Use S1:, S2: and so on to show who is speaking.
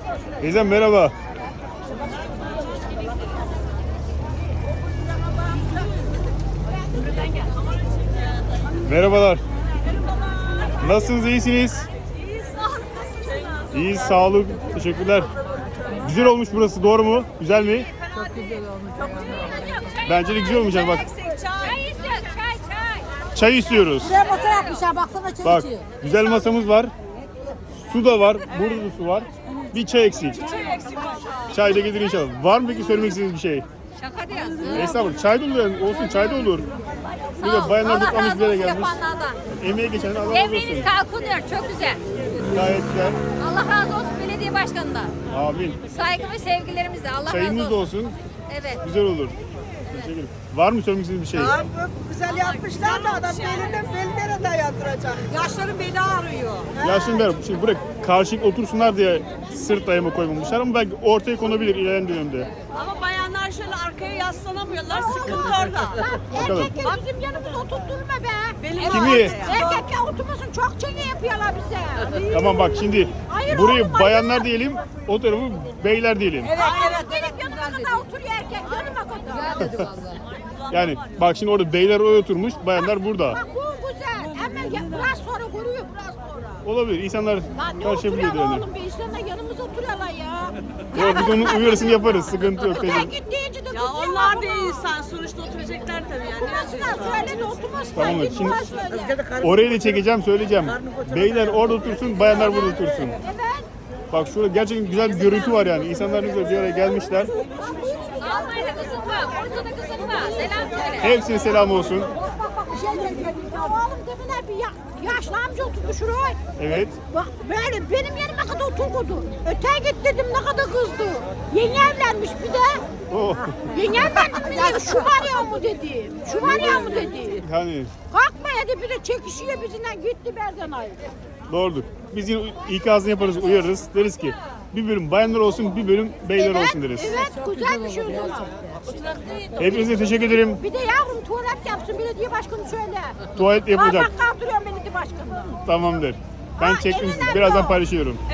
S1: Teyzem merhaba. Merhabalar. Nasılsınız, iyisiniz? İyi, sağlık. Teşekkürler. Güzel olmuş burası, doğru mu? Güzel mi?
S2: Çok güzel olmuş.
S1: Bence de güzel olmuş yani bak.
S3: Çay istiyoruz, çay.
S1: Çay istiyoruz.
S2: Buraya masa yapmışlar, baksana çay
S1: Bak,
S2: içiyor.
S1: güzel masamız var. Su da var, burada da su var. Bir çay eksik. Çay da gelir inşallah. Var mı peki söylemek istediğiniz bir şey?
S3: Şaka diyorsun.
S1: Estağfurullah. Çay da olur, olsun çay da olur. Bir de bayanlar toplamış bir yere gelmiş. Emeğe geçen Allah razı
S3: Devriniz
S1: olsun.
S3: kalkınıyor, çok güzel.
S1: Gayet güzel.
S3: Allah razı olsun belediye başkanından.
S1: Amin.
S3: Saygı ve sevgilerimizle. Allah
S1: Çayımız
S3: razı
S1: da
S3: olsun.
S1: olsun.
S3: Evet.
S1: Güzel olur. Teşekkür ederim. Var mı söylemek istediğiniz bir şey?
S4: Abi güzel yapmışlar da adam beline dayandıracak. Yaşların beni ağrıyor.
S1: Ya şimdi şimdi buraya karşılıklı otursunlar diye sırt dayama koymamışlar ama belki ortaya konabilir ilerleyen dönemde.
S4: Ama bayanlar şöyle arkaya yaslanamıyorlar. Sıkıntı orada.
S1: Bakalım.
S5: Erkekler bizim yanımıza oturtturma be.
S4: Benim
S1: Kimi?
S5: Erkekler oturmasın, çok çene yapıyorlar bize.
S1: Tamam bak şimdi
S5: Hayır
S1: burayı
S5: oğlum,
S1: bayanlar diyelim, o tarafı beyler diyelim.
S5: Gelip yanıma kadar oturuyor erkek, yanıma kadar.
S2: Güzel dedi vallahi.
S1: Yani bak şimdi orada beyler oraya oturmuş, bayanlar burada.
S5: Bak bu güzel. Hemen biraz sonra görüyor, biraz sonra.
S1: Olabilir. İnsanlar
S5: Lan ne
S1: karışabiliyor
S5: oturuyorlar
S1: yani.
S5: oğlum be, insanlar yanımıza oturuyorlar ya.
S1: Yok biz onun uyarısını yaparız. Sıkıntı yok teyze.
S5: Ben git deyince de
S4: Ya onlar da insan. Sonuçta oturacaklar tabii yani.
S5: oturmasınlar, söyle de oturmasınlar.
S1: Tamam,
S5: Git
S1: şimdi-
S5: bana söyle.
S1: Orayı da çekeceğim, söyleyeceğim. Beyler orada otursun, bayanlar burada otursun.
S5: Evet.
S1: Bak şurada gerçekten güzel bir görüntü var yani. İnsanlar ne güzel bir araya gelmişler.
S3: Almanya'da kızın var, Bursa'da kızın var. Selam söyle.
S1: Hepsine selam olsun.
S5: Bak bir şey söyleyeyim. Ya oğlum deminden bir yaşlı amca oturdu şuraya.
S1: Evet.
S5: Bak böyle benim yerime kadar oturdu. Öteye git dedim, ne kadar kızdı. Yeni evlenmiş bir de.
S1: Oh.
S5: Yeni evlendim mi dedi. Şu var ya mı dedi. Şu var ya mı dedi.
S1: Yani
S5: Kalkma dedi, bir de çekişiyor bizimle, gitti berden ayrı.
S1: doğrudur. Biz yine ikazını yaparız, uyarırız. Deriz ki bir bölüm bayanlar olsun, bir bölüm beyler olsun deriz.
S5: Evet, güzel bir şey o zaman.
S1: Hepinize teşekkür ederim.
S5: Bir de yavrum tuvalet yapsın belediye başkanı söyle.
S1: Tuvalet yapılacak.
S5: Bak kaldırıyorum belediye başkanı.
S1: Tamam der. Ben
S5: Ha,
S1: çektim.
S5: en önemli
S1: Birazdan
S5: o.
S1: paylaşıyorum.